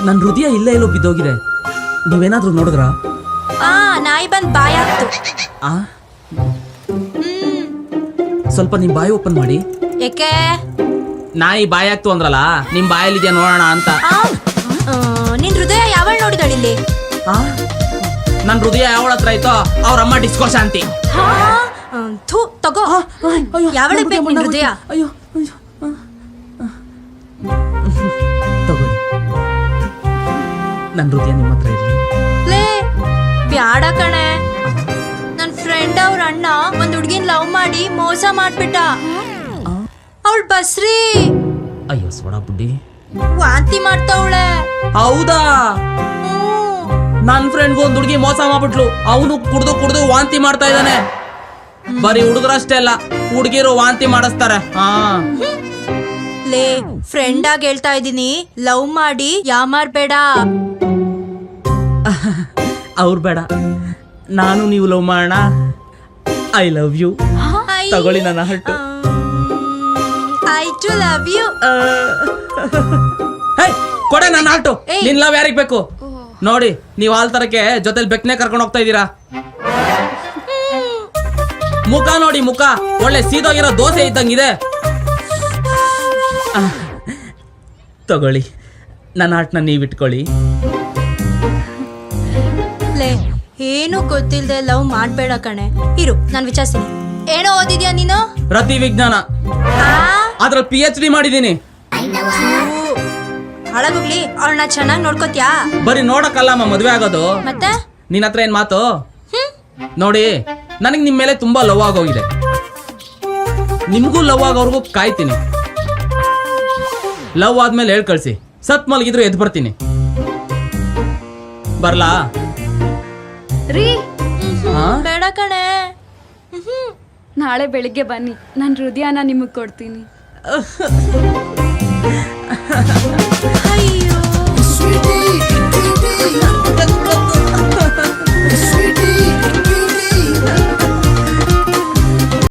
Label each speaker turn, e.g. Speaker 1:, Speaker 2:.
Speaker 1: ನನ್ನ ಹೃದಯ ಇಲ್ಲೇ ಎಲ್ಲೋ ಬಿದ್ದೋಗಿದೆ. ನೀವೇನಾದ್ರೂ ನೋಡಿದ್ರಾ?
Speaker 2: ನಾಯಿ ಬಂದ್ ಬಾಯಾಕ್ತು.
Speaker 1: ಸ್ವಲ್ಪ ನಿಮ್ ಬಾಯಿ ಓಪನ್ ಮಾಡಿ.
Speaker 2: ಏಕೆ?
Speaker 1: ನಾಯಿ ಬಾಯಾಕ್ತು ಅಂದ್ರಲ್ಲ, ನಿಮ್ ಬಾಯಲ್ಲಿದ್ಯಾ ನೋಡೋಣ ಅಂತ.
Speaker 2: ನಿನ್ ಹೃದಯ ಯಾವಳ್ ನೋಡಿದಳಿಲ್ಲಿ?
Speaker 1: ನನ್ ಹೃದಯ ಯಾವಳ ಹತ್ರ ಆಯ್ತೋ ಅವ್ರ ಅಮ್ಮ ಡಿಸ್ಕೋ ಶಾಂತಿ.
Speaker 2: ತಗೋ. ಯಾವಳಿಗೆ ಬೇಕು ನಿನ್ ಹೃದಯ?
Speaker 1: ಅಯ್ಯೋ ತಗೊಳ್ಳಿ, ನನ್ ಹೃದಯ ನಿಮ್ಮ ಹತ್ರ ಇರ್ಲಿ.
Speaker 2: ಲೇ ಬ್ಯಾಡ ಕಣೆ. ನನ್ ಫ್ರೆಂಡ್ ಅವ್ರ ಅಣ್ಣ ಒಂದ್ ಹುಡ್ಗಿನ್ ಲವ್ ಮಾಡಿ ಮೋಸ ಮಾಡ್ಬಿಟ್ಟ. ಅವಳು ಬಸ್ರಿ.
Speaker 1: ಅಯ್ಯೋ ಸೋಡಾ ಬುಡ್ಡಿ,
Speaker 2: ವಾಂತಿ ಮಾಡ್ತಾವಳೆ.
Speaker 1: ಹೌದಾ? ನನ್ ಫ್ರೆಂಡ್ಗೂ ಒಂದ್ ಹುಡುಗಿ ಮೋಸ ಮಾಡ್ಬಿಟ್ಲು. ಅವನು ಕುಡ್ದು ವಾಂತಿ ಮಾಡ್ತಾ ಇದ್ದಾನೆ. ಬರೀ ಹುಡುಗರಷ್ಟೇ ಅಲ್ಲ, ಹುಡುಗಿರು ವಾಂತಿ ಮಾಡಿಸ್ತಾರೆ.
Speaker 2: ಲೇ ಫ್ರೆಂಡ್ ಆಗಿ ಹೇಳ್ತಾ ಇದೀನಿ, ಲವ್ ಮಾಡಿ ಯಾಮಾರ್ಬೇಡ.
Speaker 1: ಅವ್ರು ಬೇಡ, ನಾನು ನೀವು ಲವ್ ಮಾಡೋಣ. I love you. ತಗೊಳ್ಳಿ ನನ್ನ heart.
Speaker 2: I too love you.
Speaker 1: ಕೊಡೆ ನನ್ನ ಹಾರ್ಟು. ನಿನ್ ಲವ್ ಯಾರಿಗ್ ಬೇಕು ನೋಡಿ. ನೀವ್ ಹಾಲ್ ತರಕ್ಕೆ ಜೊತೆಲಿ ಬೆಕ್ನೆ ಕರ್ಕೊಂಡು ಹೋಗ್ತಾ ಇದ್ದೀರಾ. ಮುಖ ನೋಡಿ, ಮುಖ ಒಳ್ಳೆ ಸೀದೋಗಿರೋ ದೋಸೆ ಇದ್ದಂಗಿದೆ. ತಗೊಳ್ಳಿ ನನ್ನ ಹಾರ್ಟ್ನ ನೀವ್ ಇಟ್ಕೊಳ್ಳಿ.
Speaker 2: ಲೇ ಏನು ಗೊತ್ತಿಲ್ದೆ ಲವ್ ಮಾಡ್ಬೇಡ ಕಣೆ. ಇರು ನಾನ್ ವಿಚಾರಿಸ್ತೀನಿ. ಏನೋ ಓದಿದ್ಯಾ ನೀನು?
Speaker 1: ರತಿ ವಿಜ್ಞಾನ. ಅದ್ರಲ್ಲಿ PhD ಮಾಡಿದೀನಿ.
Speaker 2: ಹಾಳಾಗೋಗ್ಲಿ, ಅವಳನ್ನ ಚೆನ್ನಾಗಿ ನೋಡ್ಕೋತ್ಯಾ?
Speaker 1: ಬರೀ ನೋಡಕ್ಕಲ್ಲಮ್ಮ ಮದ್ವೆ ಆಗೋದು.
Speaker 2: ಮತ್ತೆ
Speaker 1: ನಿನ್ನ ಹತ್ರ ಏನ್ ಮಾತು? ನೋಡಿ, ನನಗ್ ನಿಮ್ ಮೇಲೆ ತುಂಬಾ ಲವ್ ಆಗೋಗಿದೆ. ನಿಮ್ಗೂ ಲವ್ ಆಗೋರ್ಗೂ ಕಾಯ್ತೀನಿ. ಲವ್ ಆದ್ಮೇಲೆ ಹೇಳ್ ಕಳ್ಸಿ. ಸತ್ ಮಲಗಿದ್ರು ಎದ್ ಬರ್ತೀನಿ. ಬರ್ಲಾ?
Speaker 2: ಬೇಡ ಕಣೆ.
Speaker 3: ನಾಳೆ ಬೆಳಿಗ್ಗೆ ಬನ್ನಿ, ನನ್ನ ಹೃದಯನ ನಿಮಗೆ ಕೊಡ್ತೀನಿ.
Speaker 2: ಅಯ್ಯೋ